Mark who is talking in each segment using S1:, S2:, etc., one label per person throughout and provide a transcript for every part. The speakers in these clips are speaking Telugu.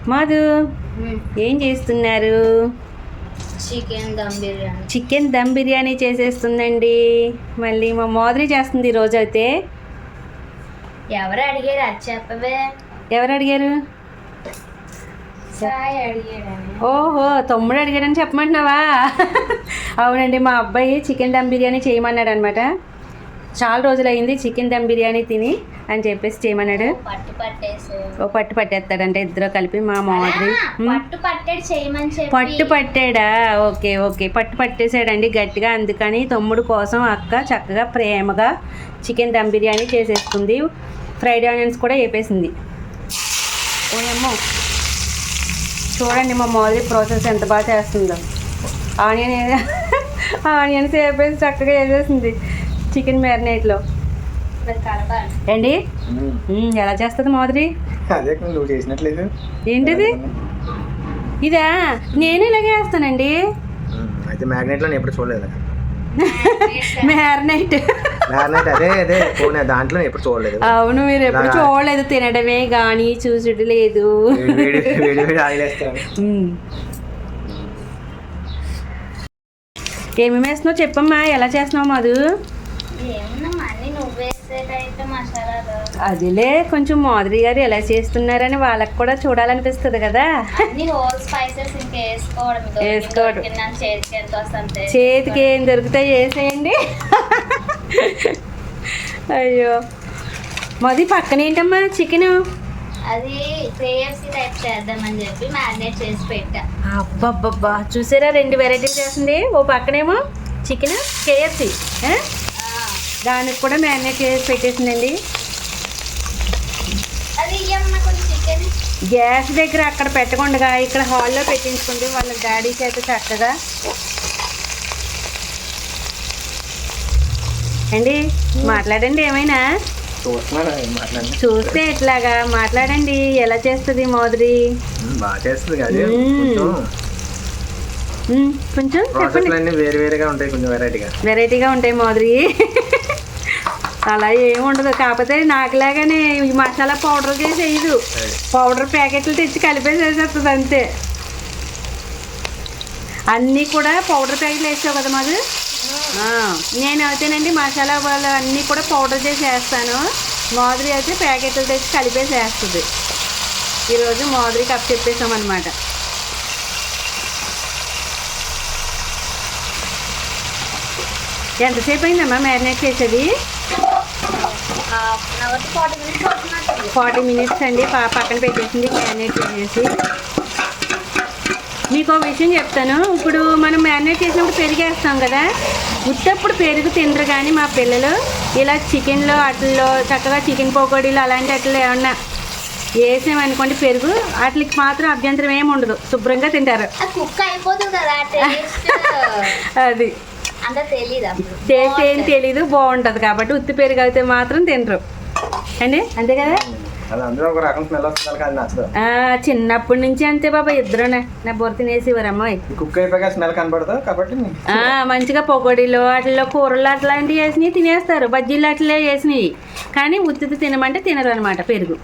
S1: మాధు ఏం చేస్తున్నారు?
S2: చికెన్
S1: దమ్ బిర్యానీ చేసేస్తుందండి. మళ్ళీ మా మాధురి చేస్తుంది ఈరోజు అయితే.
S2: ఎవరు అడిగారు? అది చెప్పవే.
S1: ఎవరు అడిగారు?
S2: సాయి అడిగాడని.
S1: ఓహో, తమ్ముడు అడిగాడని చెప్పమంటున్నావా? అవునండి, మా అబ్బాయి చికెన్ దమ్ బిర్యానీ చేయమన్నాడు అనమాట. చాలా రోజులు అయింది చికెన్ దమ్ బిర్యానీ తిని అని చెప్పేసి చేయమన్నాడు. పట్టు పట్టేస్తాడంటే ఇద్దరు కలిపి మా మాధురి. పట్టు పట్టాడా? ఓకే ఓకే, పట్టు పట్టేసాడండి గట్టిగా. అందుకని తమ్ముడు కోసం అక్క చక్కగా ప్రేమగా చికెన్ దమ్ బిర్యానీ చేసేసుకుంది. ఫ్రైడ్ ఆనియన్స్ కూడా వేపేసింది. ఓయమ్మో, చూడండి మా మాధురి ప్రాసెస్ ఎంత బాగా చేస్తుందో. ఆనియన్స్ వేపేసి చక్కగా వేసేసింది చికెన్ మ్యారినేట్లో. ఏంటి ఎలా చేస్తుంది మాధురి?
S3: అదే నువ్వు చేసినట్లేదు.
S1: ఏంటిది? ఇదా? నేను ఇలాగే వేస్తానండి.
S3: అయితే మ్యాగ్నెట్లో నేను ఎప్పుడు చూడలేదు.
S1: మ్యారినేట్
S3: అదే అదే దాంట్లో ఎప్పుడు చూడలేదు.
S1: అవును, మీరు ఎప్పుడు చూడలేదు. తినడమే కానీ చూసుడు లేదు. ఏమేమి వేస్తున్నావు చెప్పమ్మా, ఎలా చేస్తున్నావు మధు? అదిలే, కొంచెం మాధురి గారు ఎలా చేస్తున్నారని వాళ్ళకి కూడా చూడాలనిపిస్తుంది కదా. వేసుకోవడం చేతికి ఏం దొరుకుతాయి వేసేయండి. అయ్యో మధు, పక్కన ఏంటమ్మా చికెన్?
S2: అది కేఎఫ్సీ టైప్ చేద్దామని చెప్పి మ్యారినేట్ చేసి పెట్టా.
S1: అబ్బబ్బబ్బా, చూసారా 2 వెరైటీస్ చేస్తుంది. ఓ పక్కనేమో చికెన్ కేఎఫ్సీ, దానికి కూడా మ్యారినేట్ చేసి పెట్టేసిందండి. గ్యాస్ దగ్గర అక్కడ పెట్టకుండా ఇక్కడ హాల్లో పెట్టించుకుంది వాళ్ళ డాడీ చేత చక్కగా. అండి మాట్లాడండి, ఏమైనా చూస్తే ఎట్లాగా మాట్లాడండి. ఎలా చేస్తుంది మాధురి?
S3: బాగా చేస్తుంది కానీ
S1: కొంచెం చెప్పండి. వెరైటీగా ఉంటాయి మాధురి. అలా ఏమి ఉండదు, కాకపోతే నాకులాగానే ఈ మసాలా పౌడర్ చేసి వేయదు. పౌడర్ ప్యాకెట్లు తెచ్చి కలిపేసేసేస్తుంది అంతే. అన్నీ కూడా పౌడర్ ప్యాకెట్లు వేసావు కదా మాది. నేను అయితేనండి మసాలా వాళ్ళు అన్నీ కూడా పౌడర్ చేసి వేస్తాను. మాధురి అయితే ప్యాకెట్లు తెచ్చి కలిపేసి వేస్తుంది. ఈరోజు మాధురికి అప్ చెప్పేసామన్నమాట. ఎంతసేపు అయిందమ్మా మ్యారినేట్ చేసేది? 40 మినిట్స్ అండి. పక్కన పెట్టేసింది మ్యారినేట్ చేసేసి. మీకు ఒక విషయం చెప్తాను. ఇప్పుడు మనం మ్యారినేట్ చేసినప్పుడు పెరుగు వేస్తాం కదా, ఉత్తప్పుడు పెరుగు తినరు. కానీ మా పిల్లలు ఇలా చికెన్లో వాటిల్లో చక్కగా చికెన్ పకోడీలు అలాంటి వాటిలో ఏమన్నా వేసామనుకోండి పెరుగు, వాటికి మాత్రం అభ్యంతరం ఏమి ఉండదు, శుభ్రంగా తింటారు. అది టేస్ట్ ఏం తెలీదు, బాగుంటుంది కాబట్టి. ఉత్తి పెరుగు అయితే మాత్రం తినరు అండి, అంతే కదా. చిన్నప్పటి నుంచి అంతే బాబా, ఇద్దరునే నా బొర తినేసేవారు అమ్మాయి. మంచిగా పకోడీలు వాటిల్లో కూరలు అట్లాంటివి వేసినవి తినేస్తారు, బజ్జీలు అట్లా వేసినవి. కానీ ఉత్తి తినమంటే తినరు అనమాట పెరుగు.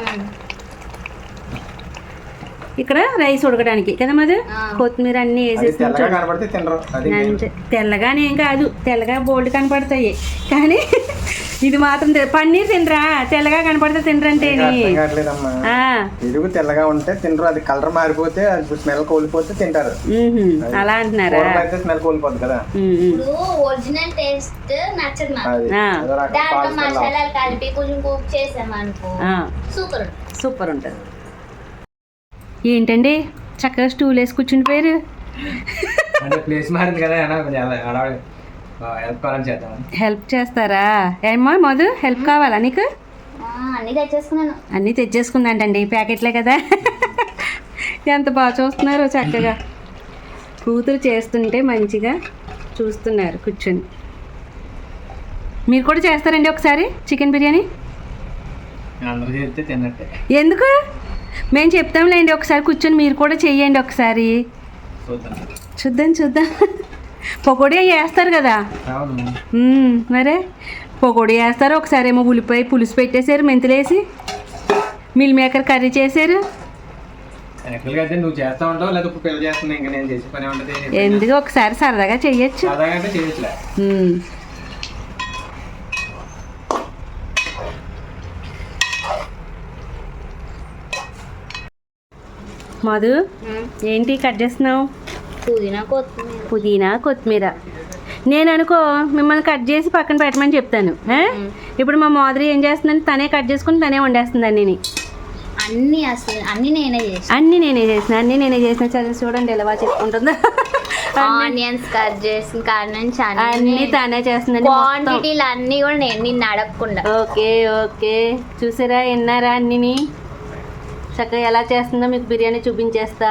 S1: ఇక్కడ రైస్ ఉడకడానికి కదా మధు, కొత్తిమీర అన్నీ వేసేసి తెల్లగానే ఏం కాదు, తెల్లగా బోల్డ్ కనపడతాయి. కానీ ఇది మాత్రం పన్నీర్ తినరా? తెల్లగా కనపడితే తినరంటే
S3: తెల్లగా ఉంటే తినరు, అది కలర్ మారిపోతే స్మెల్ కోల్పోతే తింటారు.
S1: అలా అంటున్నారా?
S3: స్మెల్ కోల్పోతుంది కదా.
S2: ఒరిజినల్ టేస్ట్ నచ్చదు, మసాలాలు కలిపి కొంచెం కుక్ చేసామనుకో
S1: సూపర్ ఉంటుంది. ఏంటండి చక్కగా స్టూల్ వేసి కూర్చుండిపోయారు.
S3: ప్లేస్ మారింది కదా,
S1: హెల్ప్ చేస్తారా? ఏమో మధు, హెల్ప్ కావాలా నీకు? అన్నీ తెచ్చేసుకుందంటండి, ప్యాకెట్లే కదా. ఎంత బాగా చూస్తున్నారో చక్కగా. కూతురు చేస్తుంటే మంచిగా చూస్తున్నారు కూర్చొని. మీరు కూడా చేస్తారండి ఒకసారి చికెన్ బిర్యానీ? ఎందుకు? మేము చెప్తాంలేండి, ఒకసారి కూర్చొని మీరు కూడా చెయ్యండి ఒకసారి. చూద్దాం. పకోడీ వేస్తారు కదా మరే, పకోడీ వేస్తారు. ఒకసారి ఏమో ఉల్లిపాయ పులుసు పెట్టేశారు, మెంతులేసి మిల్ మేకర్ కర్రీ చేశారు.
S3: యాక్చువల్గా అయితే నువ్వు చేస్తా ఉంటావు లేదా ఇప్పుడు పిల్లలు చేస్తున్నా ఇంకా నేను చేసే పని ఉంటుంది.
S1: ఎందుకు ఒకసారి సరదాగా చెయ్యొచ్చు.
S3: సరదాగా అంటే చేయొచ్చులే.
S1: మధు ఏంటి కట్ చేస్తున్నావు? పుదీనా కొత్తిమీర. నేను అనుకో మిమ్మల్ని కట్ చేసి పక్కన పెట్టమని చెప్తాను. ఇప్పుడు మా మాధురి ఏం చేస్తుందని తనే కట్ చేసుకుని తనే వండేస్తుంది అన్నీ.
S2: అన్ని నేనే
S1: చేసిన చదివి చూడండి ఎలా చెప్పుకుంటుందో.
S2: ఆనియన్స్ కట్ చేసిన కాడ నుంచి
S1: అన్ని తనే చేస్తుందండి.
S2: క్వాంటిటీలు అన్ని కూడా నేను నిన్ను అడగకుండా.
S1: ఓకే చూసారా విన్నారా అన్నిని చక్కగా ఎలా చేస్తుందో మీకు బిర్యానీ చూపించేస్తా.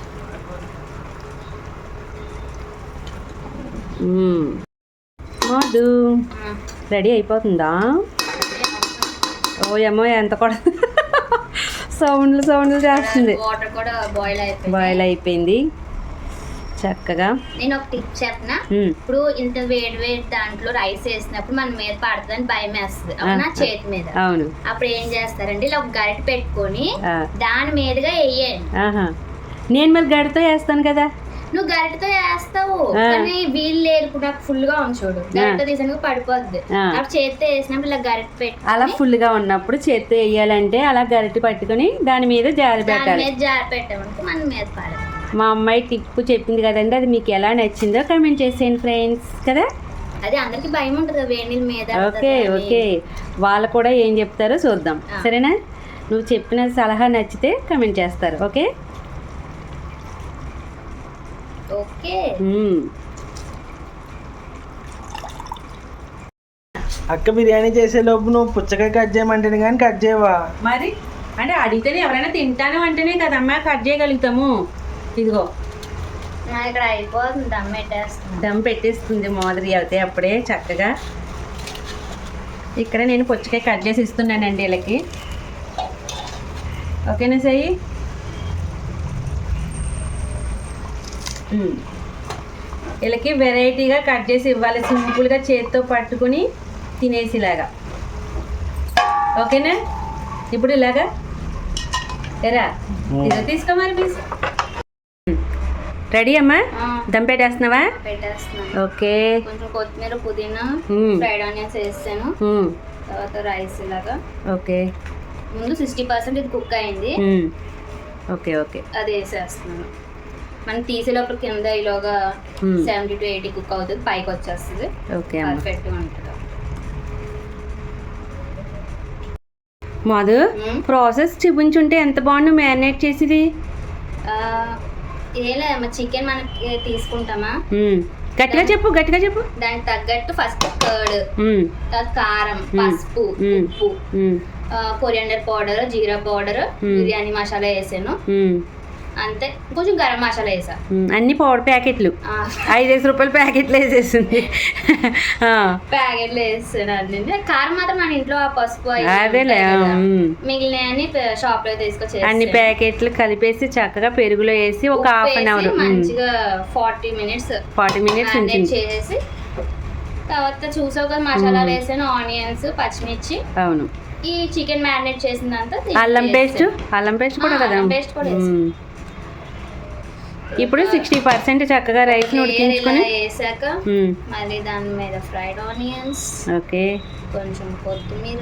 S1: మధు రెడీ అయిపోతుందా? ఓయమ్మో ఎంత కూడా సౌండ్లు చేస్తుంది.
S2: వాటర్ కూడా
S1: బాయిల్ అయిపోయింది చక్కగా.
S2: నేను ఒక టిప్ చెప్పనా? ఇప్పుడు ఇంత వేడి దాంట్లో రైస్ వేసినప్పుడు మన మీద పడుతుందని భయం వేస్తుంది అవునా, చేతి మీద.
S1: అవును.
S2: అప్పుడు ఏం చేస్తారంటే ఇలా ఒక గరిటె పెట్టుకొని దాని మీదుగా వేయండి.
S1: నేను మరి గరిటతో వేస్తాను కదా.
S2: నువ్వు గరిటతో వేస్తావు కానీ వీళ్ళు లేదు, నాకు ఫుల్ గా ఉంచోడు. గరిట తీసాక పడిపోద్ది. అప్పుడు చేతితో వేసినప్పుడు ఇలా గరిటె పెట్టి
S1: అలా ఫుల్ గా ఉన్నప్పుడు చేతితో వేయాలంటే అలా గరిటె పట్టుకొని దాని మీద జారి పెట్టాలి.
S2: జారి పెట్టామంటే మన మీద పడదు.
S1: మా అమ్మాయి టిప్ చెప్పింది కదండి, అది మీకు ఎలా నచ్చిందో కామెంట్ చేసేయండి ఫ్రెండ్స్ కదా.
S2: అదే అందరికి భయం ఉంటుంది వేడి మీద.
S1: ఓకే వాళ్ళు కూడా ఏం చెప్తారో చూద్దాం సరేనా. నువ్వు చెప్పిన సలహా నచ్చితే కామెంట్ చేస్తారు. ఓకే
S3: అక్క బిర్యానీ చేసే లోపు నువ్వు పుచ్చకాయ కట్ చేయమంటేనే కానీ కట్ చేయవా?
S1: మరి అంటే అడిగితేనే ఎవరైనా తింటాను అంటేనే కదమ్మా కట్ చేయగలుగుతాము. ఇదిగో
S2: ఇక్కడ అయిపోతుంది,
S1: దమ్ పెట్టేస్తుంది మాదిరి అయితే అప్పుడే చక్కగా. ఇక్కడ నేను పుచ్చకాయ కట్ చేసి ఇస్తున్నానండి వీళ్ళకి. ఓకేనా సయ్యి? వీళ్ళకి వెరైటీగా కట్ చేసి ఇవ్వాలి, సింపుల్గా చేతితో పట్టుకుని తినేసిలాగా. ఓకేనా? ఇప్పుడు ఇలాగా ఎరా ఇదో తీసుకో మరి పీస్. రెడీ అమ్మా? దమ్ పెట్టేస్తున్నావా? ఓకే.
S2: కొంచెం కొత్తిమీర పుదీనా ఫ్రైడ్ ఆనియన్స్ వేస్తాను, తర్వాత రైస్ ఇలాగా.
S1: ఓకే.
S2: ముందు 60% ఇది కుక్ అయింది.
S1: ఓకే
S2: అది వేసేస్తున్నాను. మనం తీసే లోపల కింద ఈలోగా 70 to 80 కుక్ అవుతుంది, పైకి వచ్చేస్తుంది.
S1: ఓకే
S2: పర్ఫెక్ట్ ఉంటుంది.
S1: మధు ప్రాసెస్ చూపించుంటే ఎంత బాగుండు మ్యారినేట్ చేసేది.
S2: ఏలే చికెన్ మనకి తీసుకుంటామా,
S1: గట్టిగా చెప్పు.
S2: దానికి తగ్గట్టు ఫస్ట్ కర్డ్, తర్వాత కారం, పసుపు, ఉప్పు, coriander powder, jeera powder, biryani masala వేసాను అంతే. కొంచెం గరం మసాలా వేసా.
S1: అన్ని పౌడర్ ప్యాకెట్లు 5 రూపాయల ప్యాకెట్లు వేసేసింది.
S2: ప్యాకెట్లు వేసాను అన్ని. కారం మాత్రం మన ఇంట్లో పసుపు
S1: అదేలే,
S2: మిగిలిన షాప్ లో తీసుకొచ్చి
S1: అన్ని ప్యాకెట్లు కలిపేసి చక్కగా పెరుగులో వేసి ఒక హాఫ్ అన్ అవర్
S2: మంచిగా 40 minutes చేసేసి తర్వాత చూసావు కదా మసాలాలు వేసాను, ఆనియన్స్, పచ్చిమిర్చి.
S1: అవును.
S2: ఈ చికెన్ మ్యారినేట్ చేసిందంతా
S1: అల్లం పేస్ట్ కూడా కదా. ఇప్పుడు 60% చక్కగా రైస్ ఉడికించుకొని
S2: వేసాక మళ్ళీ దాని మీద ఫ్రైడ్ ఆనియన్స్,
S1: ఓకే,
S2: కొంచెం కొత్తిమీర,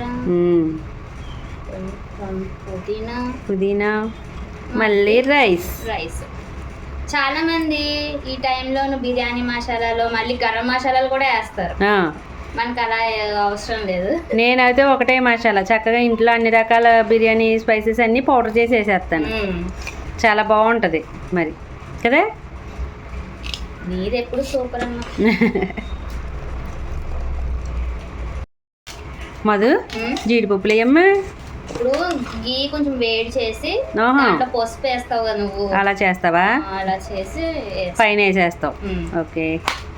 S2: కొంచెం
S1: పుదీనా, మళ్ళీ రైస్.
S2: చాలా మంది ఈ టైంలో బిర్యానీ మసాలాలో మళ్ళీ గరం మసాలాలు కూడా వేస్తారు. మనకు అలా అవసరం లేదు. నేనైతే ఒకటే మసాలా చక్కగా ఇంట్లో అన్ని రకాల బిర్యానీ స్పైసెస్ అన్ని పౌడర్ చేసి వేసేస్తాను. చాలా బాగుంటుంది మరి కదా. నీది ఎప్పుడు సూపర్ అమ్మా.
S1: మధు జీడిపప్పులు వేయమ్మా.
S2: ఇప్పుడు గీ కొంచెం వేడి చేసి దాంట్లో పసుపు వేస్తావు కదా నువ్వు.
S1: అలా చేస్తావా?
S2: అలా చేసి
S1: పైన వేసేస్తావు. ఓకే.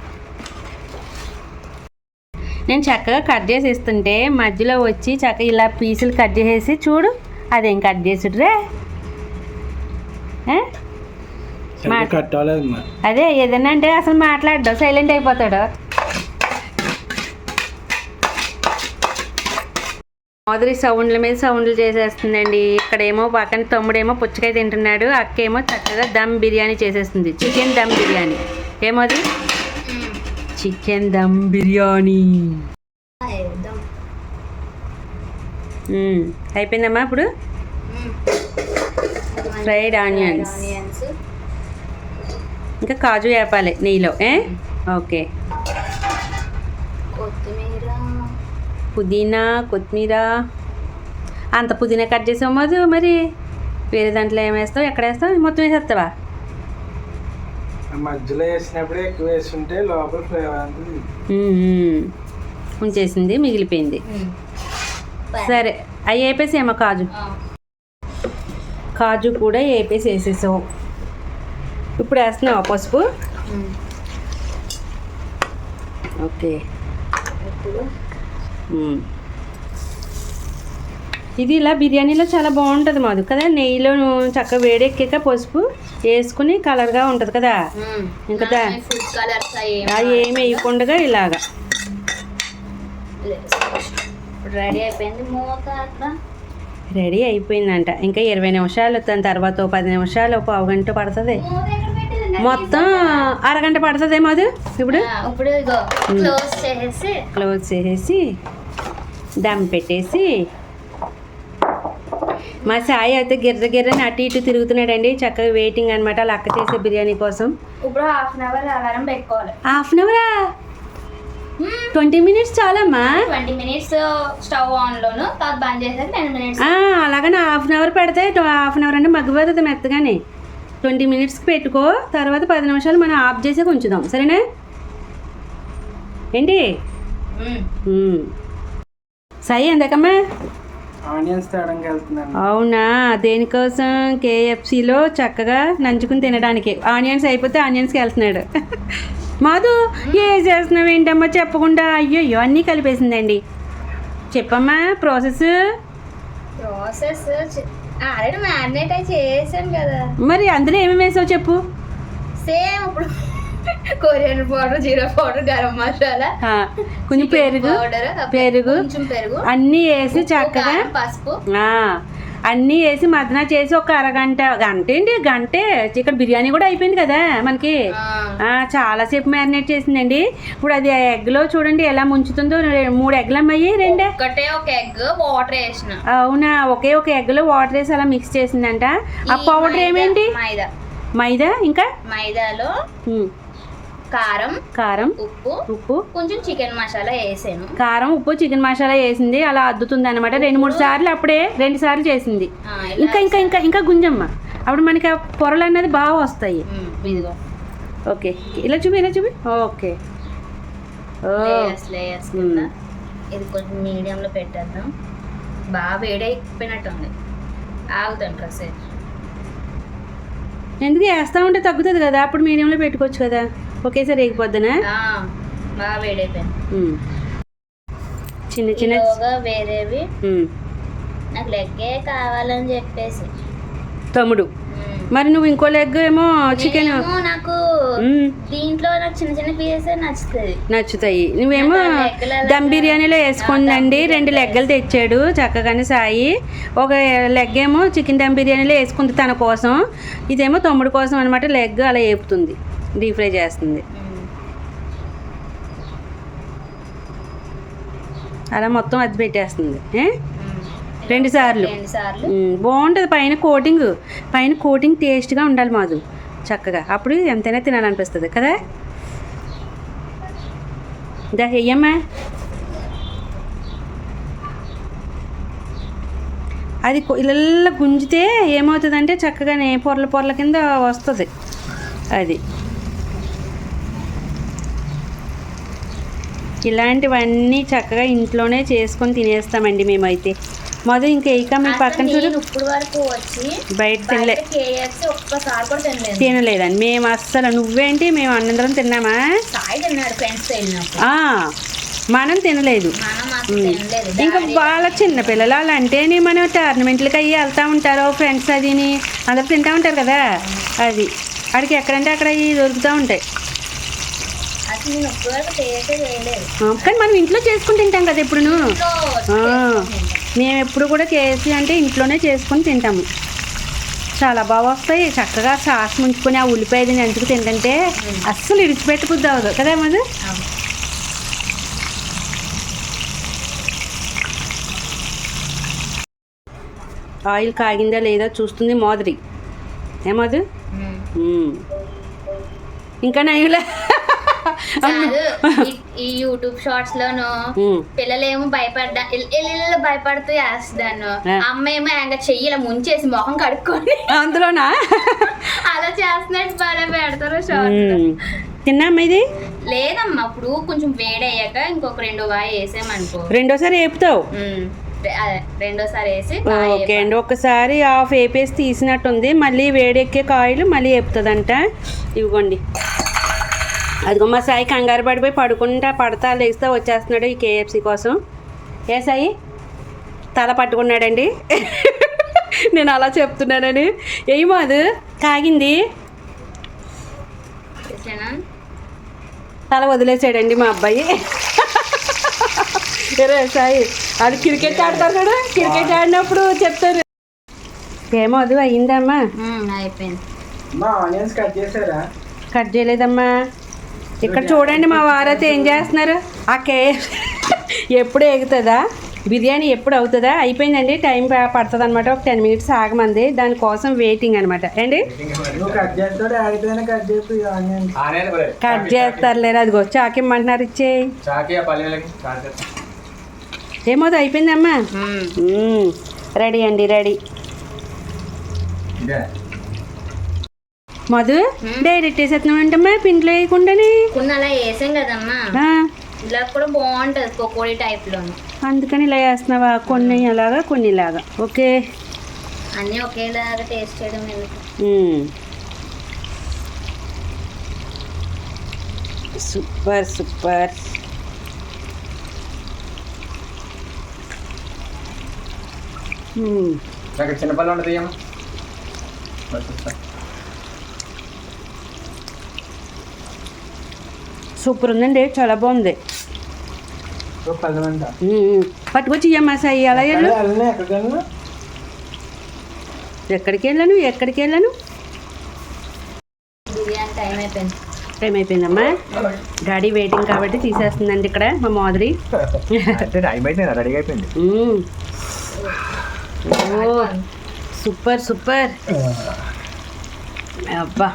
S1: నేను చక్కగా కట్ చేసి ఇస్తుంటే మధ్యలో వచ్చి చక్కగా ఇలా పీసులు కట్ చేసేసి చూడు, అదేం కట్ చేసుడురే. అదే ఏదన్నా అంటే అసలు మాట్లాడ్డావు, సైలెంట్ అయిపోతాడు. మాధురి సౌండ్ల మీద సౌండ్లు చేసేస్తుందండి. ఇక్కడేమో పక్కన తమ్ముడేమో పుచ్చకాయ తింటున్నాడు, అక్కేమో చక్కగా దమ్ బిర్యానీ చేసేస్తుంది. చికెన్ దమ్ బిర్యానీ. ఏమో అది చికెన్ దమ్ బిర్యానీ. అయిపోయిందమ్మా. ఇప్పుడు ఫ్రైడ్ ఆనియన్స్, ఇంకా కాజు వేపాలి నెయ్యిలో. ఓకే. పుదీనా, కొత్తిమీర. అంత పుదీనా కట్ చేసావు మధు. మరి వేరే దాంట్లో ఏం వేస్తావు? ఎక్కడ వేస్తావు? మొత్తం వేసేస్తావా?
S3: మధ్యలో వేసినప్పుడే ఎక్కువ వేస్తుంటే లోపల ఫ్లేవర్
S1: ఉంచేసింది, మిగిలిపోయింది. సరే, అవి వేపేసేమో కాజు కూడా వేసేసావు. ఇప్పుడు వేస్తున్నావా పసుపు? ఓకే. ఇది ఇలా బిర్యానీలో చాలా బాగుంటుంది మాది కదా. నెయ్యిలో చక్కగా వేడెక్కాక పసుపు వేసుకుని కలర్గా ఉంటుంది కదా. ఇంకా అది ఏమి వేయకుండా ఇలాగా రెడీ అయిపోయిందంట. ఇంకా 20 నిమిషాలు, దాని తర్వాత 10 నిమిషాలు, పావు గంట పడుతుంది. మొత్తం అరగంట పడుతుంది మాది. ఇప్పుడు క్లోజ్ చేసేసి దమ్ పెట్టేసి మా సాయి అయితే గిర్రని అటు ఇటు తిరుగుతున్నాడండి. చక్కగా వెయిటింగ్ అనమాట అలా అక్క చేసే బిర్యానీ కోసం.
S2: ఇప్పుడు హాఫ్ అన్ అవర్ అలారం పెట్టుకోవాలి.
S1: హాఫ్ అన్ అవరా? 20 మినిట్స్ చాలమ్మా.
S2: 20 మినిట్స్ స్టవ్ ఆన్ లోను, తర్వాత బంద్ చేసాక 10 మినిట్స్.
S1: అలాగని హాఫ్ అన్ అవర్ పెడితే హాఫ్ అన్ అవర్ అంటే మగ్గిపోతుంది మెత్తగానే. 20 మినిట్స్కి పెట్టుకో, తర్వాత 10 నిమిషాలు మనం ఆఫ్ చేసే ఉంచుదాం. సరేనా? ఏంటి సాయి ఎందాకమ్మా?
S3: ఆనియన్స్ తేడానికి వెళ్తున్నాను.
S1: అవునా? దేనికోసం? KFCలో చక్కగా నంచుకుని తినడానికి. ఆనియన్స్ అయిపోతే ఆనియన్స్కి వెళ్తున్నాడు. మాధు ఏ చేస్తున్నావు ఏంటమ్మా చెప్పకుండా? అయ్యో అన్నీ కలిపేసిందండి. చెప్పమ్మా ప్రాసెస్.
S2: ఆల్రెడీ మ్యారినేట్ అయి చేసాను కదా.
S1: మరి అందులో ఏమేమి వేసావు చెప్పు.
S2: సేమ్ ఇప్పుడు coriander powder, jeera powder, garam masala,
S1: కొంచెం పెరుగు
S2: కొంచెం పెరుగు
S1: అన్నీ వేసి చక్కగా
S2: పసుపు
S1: అన్నీ వేసి మదన చేసి ఒక అరగంట, గంటే ఇక్కడ బిర్యానీ కూడా అయిపోయింది కదా మనకి. చాలాసేపు మ్యారినేట్ చేసిందండి. ఇప్పుడు అది ఎగ్లో చూడండి ఎలా ముంచుతుందో. 3 ఎగ్లు అమ్మాయి, 2
S2: ఒక ఎగ్ వాటర్ వేసిన.
S1: అవునా? ఒకే ఒక ఎగ్లో వాటర్ వేసి అలా మిక్స్ చేసిందంట. ఆ పౌడర్ ఏమేంటి? మైదా. ఇంకా మైదాలో కారం ఉప్పు
S2: కొంచెం చికెన్ మసాలా వేసాను.
S1: కారం, ఉప్పు, చికెన్ మసాలా వేసింది. అలా అద్దుతుంది అనమాట. 2-3 సార్లు, అప్పుడే 2 సార్లు చేసింది. ఇంకా గుంజమ్మ. అప్పుడు మనకి ఆ పొరలు అనేది బాగా వస్తాయి. ఓకే, ఇలా చూపి. ఓకే.
S2: ఇది కొంచెం మీడియంలో పెట్టేద్దాం. బాగా వేడైపోయినట్టుంది. ఆగుతాను కాసేపు.
S1: ఎందుకు వేస్తా ఉంటే తగ్గుతుంది కదా, అప్పుడు మీడియంలో పెట్టుకోవచ్చు కదా. ఒకేసారి వేగిపోద్దనా?
S2: బాగా వేడైపోయింది.
S1: చిన్న
S2: వేరేవి నాకు లెగ్గే కావాలని చెప్పేసి
S1: తమ్ముడు. మరి నువ్వు ఇంకో లెగ్ ఏమో చికెన్.
S2: నాకు దీంట్లో నాకు చిన్న పీసెస్
S1: నచ్చుతాయి. నువ్వేమో దమ్ బిర్యానీలో వేసుకుందండి. 2 లెగ్గలు తెచ్చాడు చక్కగానే సాయి. ఒక లెగ్ ఏమో చికెన్ దమ్ బిర్యానీలో వేసుకుంది తన కోసం. ఇదేమో తమ్ముడు కోసం అనమాట. లెగ్ అలా వేపుతుంది, డీప్ ఫ్రై చేస్తుంది. అలా మొత్తం అది పెట్టేస్తుంది 2 సార్లు. బాగుంటుంది. పైన కోటింగ్ టేస్ట్గా ఉండాలి మాధు చక్కగా. అప్పుడు ఎంతైనా తినాలనిపిస్తుంది కదా. దా వెయ్యమ్మా. అది ఇలా గుంజితే ఏమవుతుందంటే చక్కగానే పొరల కింద వస్తుంది. అది ఇలాంటివన్నీ చక్కగా ఇంట్లోనే చేసుకొని తినేస్తామండి మేమైతే. మొదలు ఇంకా మీ పక్కన చూడు.
S2: ఇప్పుడు వరకు వచ్చి
S1: బయట తినలేదండి మేము అస్సలు. నువ్వేంటి? మేము అందరం తిన్నామా? మనం తినలేదు. ఇంకా వాళ్ళ చిన్నపిల్లలు అలా అంటే మనం టోర్నమెంట్లకి అయ్యి వెళ్తూ ఉంటారు ఫ్రెండ్స్. అదిని అందరు తింటూ ఉంటారు కదా. అది అక్కడికి ఎక్కడంటే అక్కడ దొరుకుతూ ఉంటాయి. కానీ మనం ఇంట్లో చేసుకుని తింటాం కదా ఎప్పుడును. మేము ఎప్పుడు కూడా కేఎఫ్సీ అంటే ఇంట్లోనే చేసుకొని తింటాము. చాలా బాగా వస్తాయి. చక్కగా సాస్ ముంచుకొని ఆ ఉల్లిపాయది నంచుకు తింటుంటే అస్సలు ఇడిచిపెట్టబుద్ధి అవ్వదు కదా మరి. ఆయిల్ కాగిందా లేదా చూస్తుంది మాధురి. ఏమదు ఇంకా నయ్యులే.
S2: కాదు, ఈ యూట్యూబ్ షార్ట్స్ లోను పిల్లలేమో భయపడుతూ వేస్తాను, అమ్మ ఏమో ఇంకా చెయ్యిలా ముంచేసి మొహం కడుక్కొని
S1: అందులోనా
S2: అలా చేస్తున్నట్టు బాగా పెడతారు షార్ట్స్.
S1: తిన్నామ్మా ఇది?
S2: లేదమ్మా, ఇప్పుడు కొంచెం వేడయ్యాక ఇంకొక 2 వాయి వేసామనుకో,
S1: రెండోసారి వేపుతావు.
S2: రెండోసారి వేసి
S1: ఓకే అండి. ఒకసారి హాఫ్ వేపేసి తీసినట్టుంది, మళ్ళీ వేడెక్కే కాయలు మళ్ళీ వేపుతుందంట. ఇవ్వండి. అదిగో మా సాయి కంగారు పడిపోయి పడతా లేస్తా వచ్చేస్తున్నాడు ఈ కేఎఫ్సీ కోసం. ఏ సాయి తల పట్టుకున్నాడండి. నేను అలా చెప్తున్నానని. ఏమో అది కాగింది, తల వదిలేసాడండి మా అబ్బాయి. రే సాయి, అది క్రికెట్ ఆడతారు కదా, క్రికెట్ ఆడినప్పుడు చెప్తారు. ఏమో అది అయ్యిందమ్మా.
S2: అయిపోయింది.
S3: ఆనియన్స్ కట్ చేసారా?
S1: కట్ చేయలేదమ్మా. ఇక్కడ చూడండి మా వారైతే ఏం చేస్తున్నారు. ఆ కేఎఫ్సీ ఎప్పుడు ఎగుతుందా, బిర్యానీ ఎప్పుడు అవుతుందా? అయిపోయిందండి, టైం పడుతుంది అనమాట. ఒక 10 minutes ఆగమంది, దానికోసం వెయిటింగ్ అనమాట. ఏంటి కట్ చేస్తారులేరు. అదిగో చాకిమ్మంటున్నారు, ఇచ్చేయి. ఏమో అయిపోయిందమ్మా. రెడీ అండి, రెడీ. మధు డైరెక్ట్ వేసేస్తున్నావు అంటమ్మా, పిండిలో వేయకుండానే.
S2: అలా వేసాం కదమ్మా, ఇలా కూడా బాగుంటుంది పకోడీ టైప్ లో.
S1: అందుకని ఇలా వేస్తున్నావా? కొన్ని అలాగా కొన్ని ఇలాగా. ఓకే,
S2: అన్నీ ఒకేలాగా టేస్ట్ చేయడం ఎందుకు.
S1: Super super.
S3: చిన్నపల్లి ఉండదు.
S1: సూపర్ ఉందండి, చాలా బాగుంది. పట్టుకొచ్చి ఇయ్యమ్మా సాయి. అలా వెళ్ళు. ఎక్కడికి వెళ్ళాను.
S2: బిర్యానీ టైం అయిపోయింది.
S1: టైం అయిపోయిందమ్మా. డాడీ వెయిటింగ్ కాబట్టి తీసేస్తుందండి ఇక్కడ మా మాధురి. Super super. అబ్బా,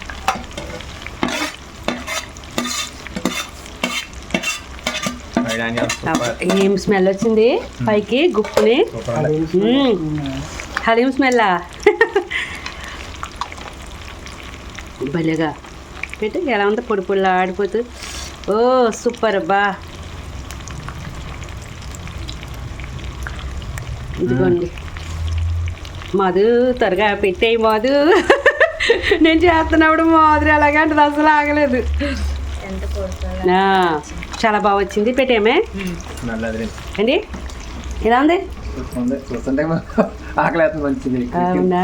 S1: ఏం స్మెల్ వచ్చింది పైకి గుప్పుని. హలీం స్మెల్లా. భలేగా పెట్టి ఎలా ఉందో, పొడి పొడిలా ఆడిపోతూ. ఓ సూపర్ అబ్బా. ఇదిగోండి మధు, త్వరగా పెట్టేయి మధు. నేను చేస్తున్నప్పుడు మాధురి అలాగే అంటే అసలు ఆగలేదు. చాలా బాగా వచ్చింది. పెట్టేమే అండి. ఎలా ఉంది? అవునా?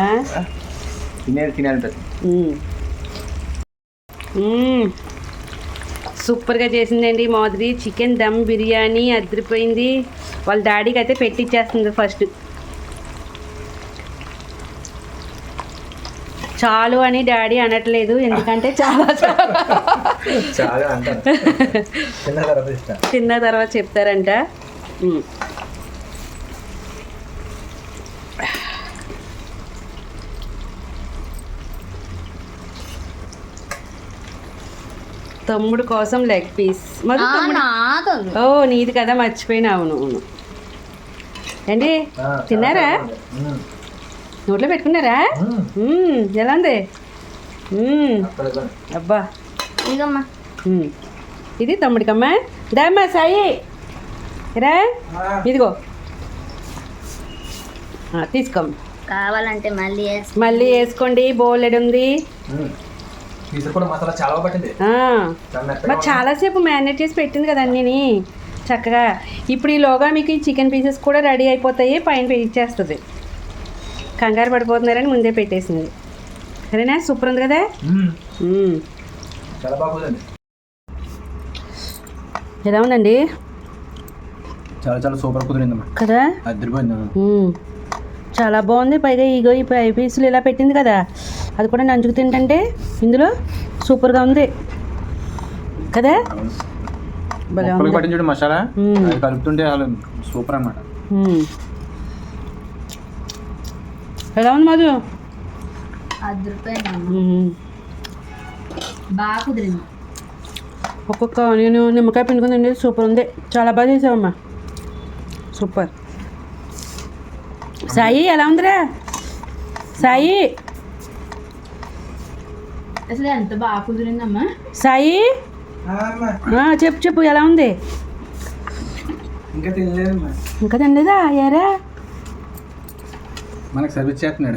S1: సూపర్గా చేసిందండి మాధురి. చికెన్ దమ్ బిర్యానీ అదిరిపోయింది. వాళ్ళ డాడీకి అయితే పెట్టిచ్చేస్తుంది ఫస్ట్. చాలు అని డాడీ అనట్లేదు, ఎందుకంటే చాలా తిన్న తర్వాత చెప్తారంట. తమ్ముడు కోసం లెగ్ పీస్. ఓ నీది కదా, మర్చిపోయినా. అవును అవును. ఏంటి తిన్నారా? నోట్లో పెట్టుకున్నారా? ఎలా ఉంది? అబ్బా, ఇది తమ్ముడికమ్మా. దామ్మా సాయి రా, ఇదిగో తీసుకోమ్మా.
S2: కావాలంటే
S1: మళ్ళీ వేసుకోండి. బోలెడు ఉంది. మరి చాలాసేపు మ్యారినేట్ చేసి పెట్టింది కదా అన్నీ చక్కగా. ఇప్పుడు ఈలోగా మీకు ఈ చికెన్ పీసెస్ కూడా రెడీ అయిపోతాయి, పైన ఇచ్చేస్తుంది. కంగారు పడిపోతున్నారని ముందే పెట్టేసింది. సరేనా? సూపర్ ఉంది కదా. ఎలా ఉందండి?
S3: చాలా చాలా సూపర్ కుదిరిందమ్మా.
S1: కదా
S3: అదిరిపోయింది.
S1: చాలా బాగుంది. పైగా ఇగో ఈ ఫ్రై పీసులు ఇలా పెట్టింది కదా, అది కూడా నంచుకు తింటుంటే ఇందులో సూపర్గా ఉంది కదా. భలే ఉంది.
S3: ముక్కలకు పట్టించుడు మసాలా అది కలుపుతుంటే అసలు సూపర్ అన్నమాట.
S1: ఎలా ఉంది మధు?
S2: అదిరిపోయింది, బాగా కుదిరింది.
S1: ఒక్కొక్క నేను నిమ్మకాయ పిండుకుని తింటే సూపర్ ఉంది. చాలా బాగా చేసావమ్మా, సూపర్. సాయి ఎలా ఉందిరా? సాయి
S2: అసలు ఎంత బాగా కుదిరిందమ్మా.
S1: సాయి చెప్పు చెప్పు ఎలా ఉంది?
S3: ఇంకా తినలేదమ్మా.
S1: ఇంకా తినలేదా? ఏరా
S3: మనకు సర్వీస్ చేస్తున్నాడు.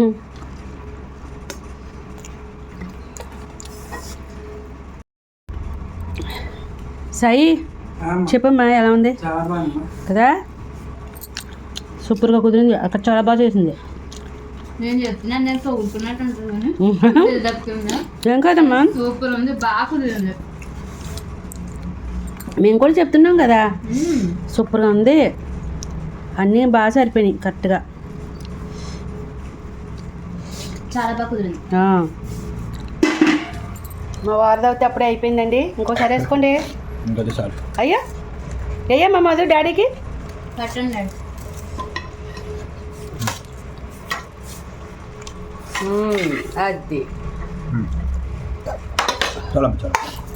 S1: సాయి చెప్పమ్మా ఎలా ఉంది? కదా సూపర్గా కుదిరింది. అక్కడ చాలా బాగా చేసింది.
S2: నేను చెప్తున్నాను, నేను తోగుతున్నట్టు ఉంటుంది.
S1: ఏం కాదమ్మా,
S2: సూపర్ ఉంది, బాగా కుదిరింది.
S1: మేము కూడా చెప్తున్నాం కదా, సూపర్గా ఉంది. అన్నీ బాగా సరిపోయినాయి కరెక్ట్గా.
S2: చాలా బాగా కుదిరింది.
S1: మా వారిది అయితే అప్పుడే అయిపోయిందండి. ఇంకోసారి వేసుకోండి.
S3: ఇంకొద్ది చాలు.
S1: అయ్యా అయ్యా మా మధు డాడీకి
S2: పట్టండి.
S1: అది
S3: చాలా చాలా